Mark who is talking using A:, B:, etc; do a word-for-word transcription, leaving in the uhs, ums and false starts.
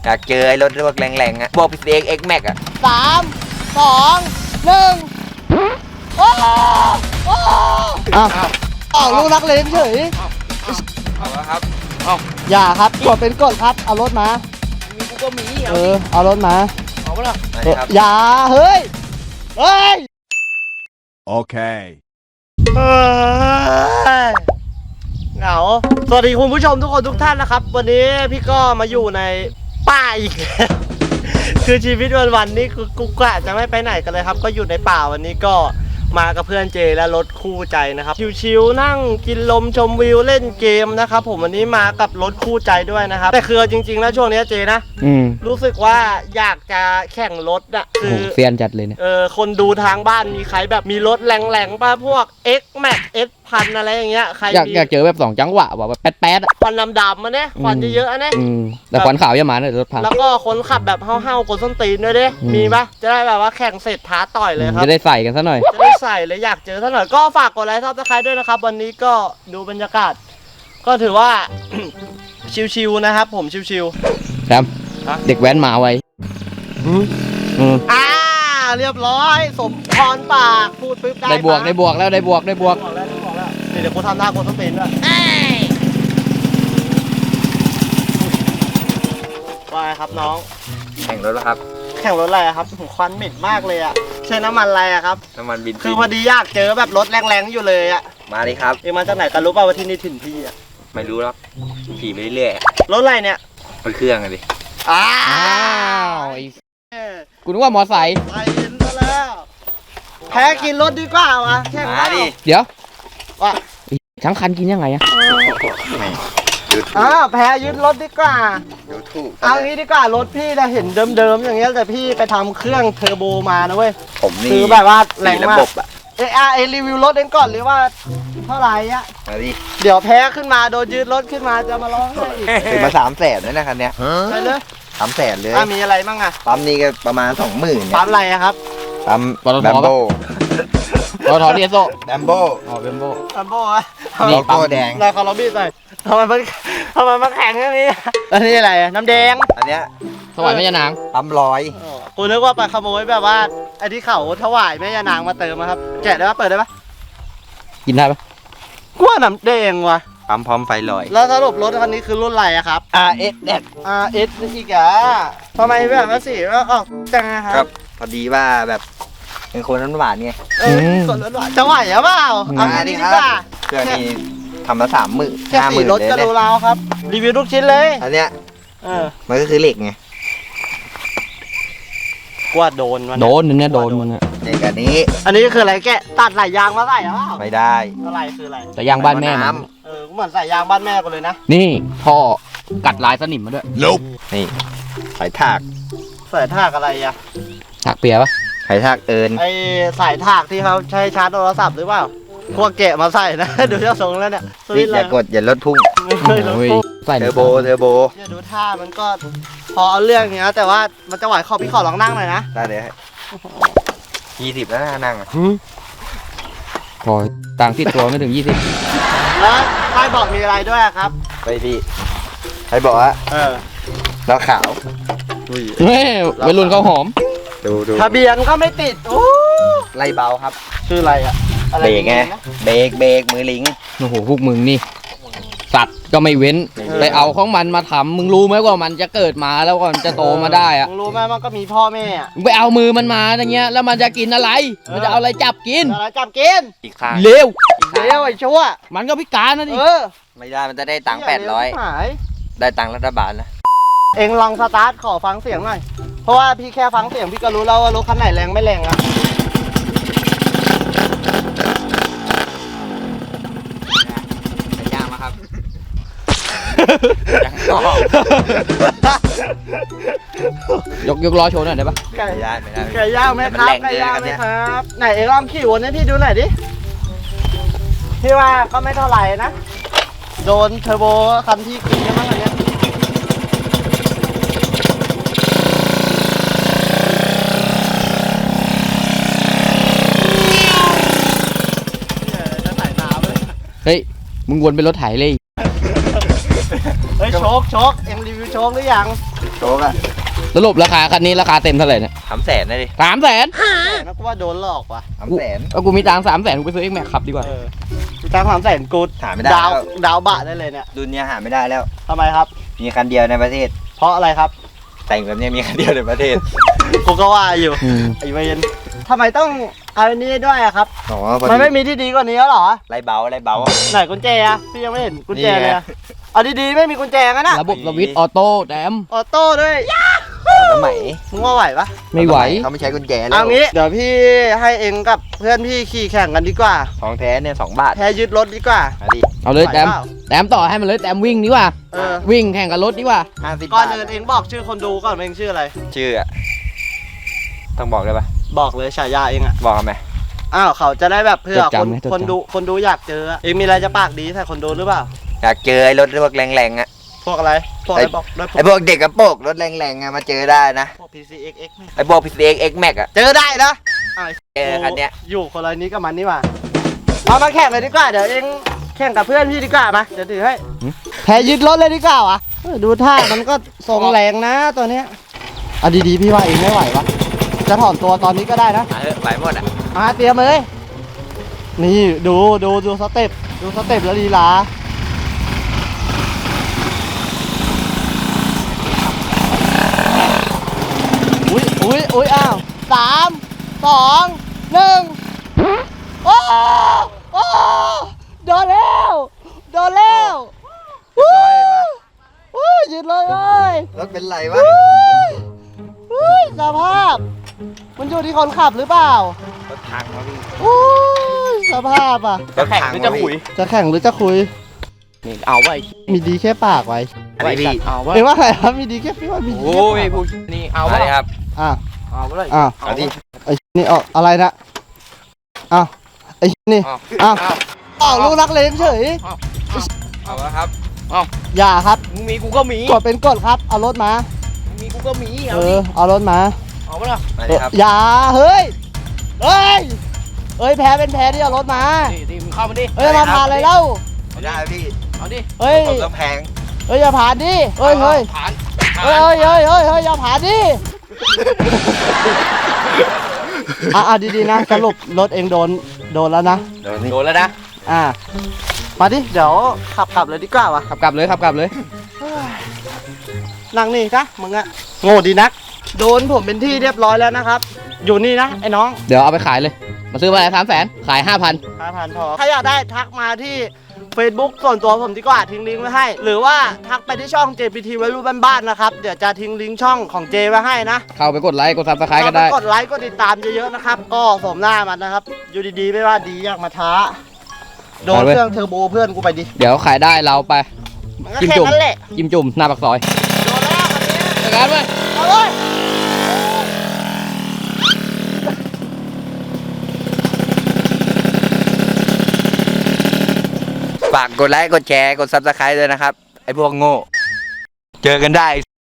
A: อยากเจอไอ้รถพวกแรงๆอ่ะพวกพีซีเอ็กเอ็กแม็กอ่ะ
B: สามสองหนึ่งโอ้โอ้อ้าวอ้าวลูกนักเลงเฉย
A: เอาละครับ
B: อย่าครับกดเป็นกดครับเอารถมา
C: มีกูก็มี
B: เออเอารถมา
C: เอาปะล่ะ
A: มา
B: เออ
A: ครับ
B: อย่าเฮ้ยเฮ้ย
D: Okay.
B: เฮ้ยเหงาสวัสดีคุณผู้ชมทุกคนทุกท่านนะครับ วันนี้พี่ก็มาอยู่ในป่าอีกแล้ว คือชีวิตวันๆนี้คือกุ๊กกะจะไม่ไปไหนกันเลยครับ ก็อยู่ในป่าวันนี้ก็มากับเพื่อนเจและรถคู่ใจนะครับชิวๆนั่งกินลมชมวิวเล่นเกมนะครับผมวันนี้มากับรถคู่ใจด้วยนะครับแต่คือจริงๆแล้วช่วงนี้เจนะรู้สึกว่าอยากจะแข่งรถอะคือ
C: เซียนจัดเลยเนี่ย
B: เออคนดูทางบ้านมีใครแบบมีรถแรงๆป่ะพวก X Max X พันอะไรอย่างเงี้ยใคร
C: อยาก
B: มี
C: อยากเจอแบบสองจังหวะว่ะแบบแป๊ดๆอ่ะ
B: ควันดำๆมาเนี่ยควันเยอะๆนะ
C: อืมแต่ควันขาวอย่ามาเนี่ยรถพัง
B: แล้วก็คนขับแบบเฮ้าๆกดส้นตีนด้วยดิ
C: อืม
B: มีปะจะได้แบบว่าแข่งเสร็จท้าต่อยเลยครับ
C: จะได้ใส่กันซะหน่อย
B: จะได้ใส่เลยอยากเจอท่านหน่อยก็ฝากกดไลค์ซับสไครต์ด้วยนะครับวันนี้ก็ดูบรรยากาศ ก็ถือว่า ชิวๆนะครับผมชิว
C: แรม
B: ฮะ
C: เด็กแว้นมาไว้อืม
B: ๆอ่าเรียบร้อยสมพรปากพูดปึ๊บได้
C: ได้บวก
B: ปะ
C: ได้บวกแล้วได้บวกได้บวก
B: บอกแล้วบอกแล้วนี่เดี๋ยวกูทำหน้ากดส้นตีนด้วยว่าไงครับน้อง
A: แข่งรถแล้วครับ
B: แข่งรถอะไรอะครับควันเหม็นมากเลยอะใช้น้ำมันอะไรอะครับ
A: น้ำมันบิน
B: คือพอดีอยากเจอแบบรถแรงๆอยู่เลยอะ
A: มาดิครับ
B: เอ็งมาจากไหนกันรู้ป่าวว่าที่นี่ถิ่นพี่อะ
A: ไม่รู้หรอกขี่ไปเรื่อย
B: รถอะไรเนี่ย
A: ๆมันเครื่องอะดิ
B: อ้า
C: อ้าวไอ้
B: ว
C: กูนึกว่ามอไซค์
B: ไปเห็นซะแล้วแพ้กินรถดีกว่าวะแข่ง
A: มาดิ
C: เดี๋ยว
B: ว่า
C: ไอ้ทั้งคันกินยังไงอะ
A: ดูถูก
B: อ้าวแพ้ยึดรถดีกว่า
A: ดูถูก
B: เอางี้ดีกว่ารถพี่นะเห็นเดิมๆอย่างเงี้ยแต่พี่ไปทำเครื่องเทอร์โบมานะเว้ย
A: ผมนี่
B: คือแบบว่าแรง
A: ระ
B: มาก
A: บบอะ
B: เอะอะเอรีวิวรถเองก่อนหรือว่าเท่าไหร่อะ
A: มาดิ
B: เดี๋ยวแพ้ขึ้นมาโดนยืดรถขึ้นมาจะมาร้องไห้อีก
A: ถึงมาสามแสนเลยนะคันเนี้ย
B: ไปเลย
A: สามแสนเลย
B: อ่ะมีอะไรบ้างอะ
A: ปั๊มนี่ก็ประมาณสองหมื่น
B: ปั๊มอะไรอะครับ
A: ปั๊มแบมโบ
C: รถถอเดียโซ
A: แบมโบ
C: อ๋อเบมโบ
B: ปั๊มโบ้อะ
C: นี่
A: โลโก้แดง
B: นายขอลองบีบหน่อยทำไมมันทำไมมันแข็งอย่างนี้แล้วนี่อะไรอะน้ำแดง
A: อันเนี้ย
C: ถวายแม่ยานาง
A: ปั๊มร้อย
B: กูนึกว่าไปขโมยแบบว่าไอ้ที่เขาถวายแม่ยานางมาเติมอะครับแกะได้ปะเปิดได้ปะ
C: กินได้ปะ
B: กูว่าน้ำแดงว่ะ
A: ปั๊มพร้อมไฟลอย
B: แล้วสรุปรถคันนี้คือรุ่นอะไรอะครับ
A: อาร์ เอส แดด
B: อาร์ เอส อีกอะทำไมแบบว่าสีว่าออกจังอะค
A: ครั
B: รับ
A: บ พอดีว่าแบบเป็นคนน้ำหวานไง
B: เออส่วนรถหวานจะไหวหรือเปล่าเอา
A: มา
B: งี้
A: ดิ
B: ดี
A: ครั
B: กว่า
A: เครื่องนี้ทำมาสามหมื่น
B: แค่
A: ห้าห
B: สี
A: มื่น
B: รถ
A: เลย
B: ก็
A: เนี่
B: ดู
A: ย
B: เราครับ รีวิวทุกชิ้นเลย
A: อันเนี้ย
B: เออ
A: มันก็คือเหล็กไง
B: กว่าโดนมัน
C: โดนเนี่ยโดนมึงอะ
A: เหล็กอันนี้
B: อันนี้คืออะไรแกะตัดไหลยางมาใส่หรือเปล่า
A: ไม่ได้
B: อะไรคืออะไร
C: แต่ยางบ้านแม่มัน
B: เออเหมือนใส่ยางบ้านแม่กูเลยนะ
C: นี่พ่อกัดลายสนิมมาด้วย
D: Nope.
A: นี่สายถาก
B: ใส่ถากอะไรอะ
C: ถักเปียปะ
A: สายถากเอิญ
B: ไอสายถากที่เขาใช้ชาร์จโทรศัพท์หรือเปล่าพวกแกะมาใส่นะ ดูเจ้าทรงแล้วเนี่ยสวิ
A: นี่
B: ตช์
A: อ
B: อะไร
A: ย่ากดอย่าลดพุ่ง
B: ไม่เคยลด
C: โอ้ย
B: ปุ๊บ
C: ใส่
A: เทอร์โบ เทอร์โบ
B: เนี่ยดูท่ามันก็พอเอาเรื่องอย่างเงี้ยแต่ว่ามันจะไหวขอพี่ขอลองนั่งหน่อยนะ
A: ได้เลยยี่สิบแล้วนะนั่งอะ
C: พอต่างที่ตัวไม่ถึงยี่สิบ
B: แล้วป้ายบอกมีอะไรด้วยอะครับ
A: ไปดิใครบอกว่า
B: เออ
A: เราขาว
C: เฮ้ยวัยรุ่นเขาหอม
A: ดูดู
B: ทะเบียนก็ไม่ติดโอ้
A: ไล่เบาครับ
B: ชื่ออะไรอะอะไร
A: เบรกไง
B: นะ
A: เบรกเบรกมือลิง
C: โอ้โหพวกมึงนี่ สัตว์ก็ไม่เว้น
A: ไม่เว้น
C: ไปเอาของมันมาทำมึงรู้ไหมว่ามันจะเกิดมาแล้วก่อนจะโตมาได้อะ
B: มึงรู้ไหมมันก็มีพ่อแม่อะ
C: มึงไปเอามือมันมาอย่างเงี้ยแล้วมันจะกินอะไร มันจะเอาอะไรจับกิน
B: อะไรจับกิน
A: อีกข้าง
C: เร็ว
B: เดี๋ยวไอ้ชั่ว
C: มันก็พิการนะดิ
B: เออ
A: ไม่ได้มันจะได้ตังค์แปดร้อย
B: หาย
A: ได้ตังค์รัฐบาลนะ
B: เองลองสตาร์ทขอฟังเสียงหน่อยเพราะว่าพี่แค่ฟังเสียงพี่ก็รู้แล้วว่ารถคันไหนแรงไม่แรงอะ
A: ไปย่างมาครับยังต่อย
C: กยกล้อโชว์หน่อยได้ปะ
B: ไก่
A: ไม่ได้ไม่ได้
B: ไก่ย่างไหมครับ
A: มันแรง
B: ไก่ย่างไหม
A: เกินกันเนี่ย
B: ครับไหนเองลองขี่วนให้พี่ดูหน่อยดิพี่ว่าก็ไม่เท่าไหร่นะโดนเทอร์โบคันที่กินกันบ้างอันเนี้ยเนี่ยจะใส่น้ำเลย
C: เฮ้ยมึงวนเป็นรถไถเลย
B: เฮ้ยโชคโชคเอ็งรีวิวโชคหรือยัง
A: โชกอะ
C: สรุปราคาคันนี้ราคาเต็มเท่าไหร่เนี่ย
A: สามแสนนะดิ
C: สามแสน
B: แต่นะกูว่าโดนหลอกว่ะ
A: สามแสน
C: เอากูมีตังสามแสนกูไปซื้อเอ็กแม็กขับดีกว่า
B: เออกูตังสามแสนกู
A: หาไม่ได้
B: ดาว
A: แล้ว
B: ดาวบะได้เลยเนี่ย
A: รุ่นเนี้ยหาไม่ได้แล้ว
B: ทำไมครับ
A: มีคันเดียวในประเทศ
B: เพราะอะไรครับ
A: แต่งแบบเนี้ยมีคันเดียวในประเทศ
B: กูก็ว่าอยู่
C: อืม
B: ไอ้เวนทำไมต้องเอาอันนี้ด้วยอะครับ
A: อ๋อพอ
B: มัน
A: ดี
B: ไม่มีที่ดีกว่านี้แล้วเหรอ
A: ไรเบาไรเบา
B: ไหนกุญแจอะพี่ยังไม่เห็นกุญแจ
A: นี่ไง
B: เลยอะเอาดีๆไม่มีกุญแจงั้นอะ
C: ระบบสวิตช์ออโต้แดม
B: ออโต้ด้วย
A: สมัย
B: มึงว่าไหวปะ
C: ไม่ไหว
A: เขาไม่ใช้กุญแจแล้ว
B: เอางี้เดี๋ยวพี่ให้เองกับเพื่อนพี่ขี่แข่งกันดีกว่า
A: ของแท้เนี่ยสองบาท
B: แพ้ยึดรถดีกว่า
A: มาดิ
C: เอาเลย
B: ไหว
C: แดม
B: เปล่า
C: แดมต่อให้มันเลยแดมวิ่งดีกว่า
B: เออ
C: วิ่งแข่งกับรถดีกว่า
A: ห้าสิบ
B: ก่อน
A: บาท
B: อื่นเองบอกชื่อคนดูก่อนเองชื่ออะไร
A: ชื่ออะต้องบอกเลยปะ
B: บอกเลยฉายาเองอะ
A: บอกไหม
B: อ้าวเขาจะได้แบบเพื่อ
C: จด
B: คน
C: จำไหมจดจำ
B: คนดูคนดูอยากเจออะเองมีอะไรจะปากดีใส่คนดูหรือเปล่า
A: อยากเจอไอ้รถพวกแรงๆอะ
B: พวกอะไรพวกอะไรบอกด้วย
A: ไอ้พวกเด็กกระโปรงรถแรงๆอะมาเจอได้นะ
B: พวก พี ซี เอ็กซ์ เอ็กซ์
A: ไอ้พวก พี ซี เอ็กซ์ X Max อะ
B: เจอได้นะอ้าว
A: เจอคันเนี้ย
B: อยู่คนละนี้กับมันนี่หว่าเอามาแข่งเลยดีกว่าเดี๋ยวเองแข่งกับเพื่อนพี่ดีกว่ามาเดี๋ยวถือให้แพ้ยึดรถเลยดีกว่าวะเออดูท่ามันก็ทรงแรงนะตัวเนี้ยเอาดีๆพี่ว่าเองไม่ไหววะจะถอนตัวตอนนี้ก็ได้นะ
A: มาเถอะไหวหมดอะ
B: มาเตรียมเลยนี่ดูดูดูสเต็ปดูสเต็ปแล้วลีลาอุ้ยอุ้ยอุ้ยอ้าวสามสองหนึ่งโอ้โอ้โดนแล้วโดนแล้ววู้วู้ยืดเลยเลย
A: รถเป็นไรวะ
B: วู้สภาพ มันอยู่ที่คนขับหรือเปล่าร
A: ถพังวะพี่
B: วู้สภาพอ่ะ
A: รถพังวะพี่
B: จะแข่งหรือจะคุย
C: นี่เอาไว้
B: มีดีแค่ปากไว้
A: อันนี้พี่
C: เอาไว้
B: เห็นว่าไงครับมีดีแค่พี่ว่ามีดี
C: โอ้
B: แค่
C: ย
B: ปาก
C: ผู้นี่เอา
A: เอา
C: ไว้
A: เลยครับ
B: อ่ะ
C: เอาไว้
B: อ่ะ
A: เอาดิ
B: ไอ้นี่ออกอะไรนะอ้าวไอ้นี่
C: เอา
B: อ้าวออกลูกนักเลงเฉย
A: เอาละครับ
B: อย่าครับ
C: มึงมีกูก็มี
B: กดเป็นกดครับเอารถมา
C: มึงมีกูก็มี
B: เอ
C: เอาดิ
B: อเอารถมา
C: เอาไว้ละ
A: มาเลยครับ
B: อย่าเฮ้ยเฮ้ยเฮ้ยแพ้เป็นแพ้ที่เอารถมา
C: นี่นี่มึงเข้ามาดิ
B: เฮ้ยมาผ่านอะไรเล่า
A: ไม่ได้พี่
C: เอาดิ
B: เฮ้ย
A: ผมต้องแพง
B: เฮ้ยอย่าผ่านดิเฮ้ยเฮ้ย
C: ผ่าน
B: เฮ้ยเฮ้ยเฮ้ยเฮ้ยเฮ้ยอย่าผ่านดิอ่ะอ่ะดีๆนะสรุปรถเองโดนโดนแล้วนะ
A: เดี๋ยวนี้
C: โดนแล้วนะ
B: อ่ามาดิเดี๋ยวขับกลับเลยดีกว่าวะ
C: ขับกลับเลยขับกลับเลย
B: นั่งนี่นะมึงอะโง่ดีนัก โดนผมเป็นที่เรียบร้อยแล้วนะครับ อยู่นี่นะไอ้น้อง
C: เดี๋ยวเอาไปขายเลย มาซื้อมาอะไรสามแสนขายห้าพัน
B: ห้าพันพอถ้าอยากได้ทักมาที่ Facebook ส่วนตัวผมดีกว่าทิ้งลิงก์ไว้ให้ หรือว่าทักไปที่ช่อง เจ พี ที วัยรุ่นบ้านๆนะครับ เดี๋ยวจะทิ้งลิงก์ช่องของเจไว้ให้นะ
C: เข้าไปกดไลค์กดซับสไครต์ก็ได้
B: กดไลค์กดติดตามเยอะๆนะครับ ก็สมหน้ามันนะครับ อยู่ดีๆไม่ว่าดีอยากมาท้า โดน
C: ไปเว้ย
B: เครื่องเทอร์โบเพื่อนกูไปดิ
C: เดี๋ยวขายได้เราไป
B: มันก็
C: จิ้ม
B: แค่
C: จุ่ม
B: นั้นแหละ
C: จิ้มจุ่มหน้าปากซอย
B: โดนแล้วคันนี้
C: จัดการเว้ย
B: เอาเลย
A: ฝากกดไลค์ กดแชร์ กดซับสไครต์ด้วยนะครับ ไอ้พวกโง่ เจอกันได้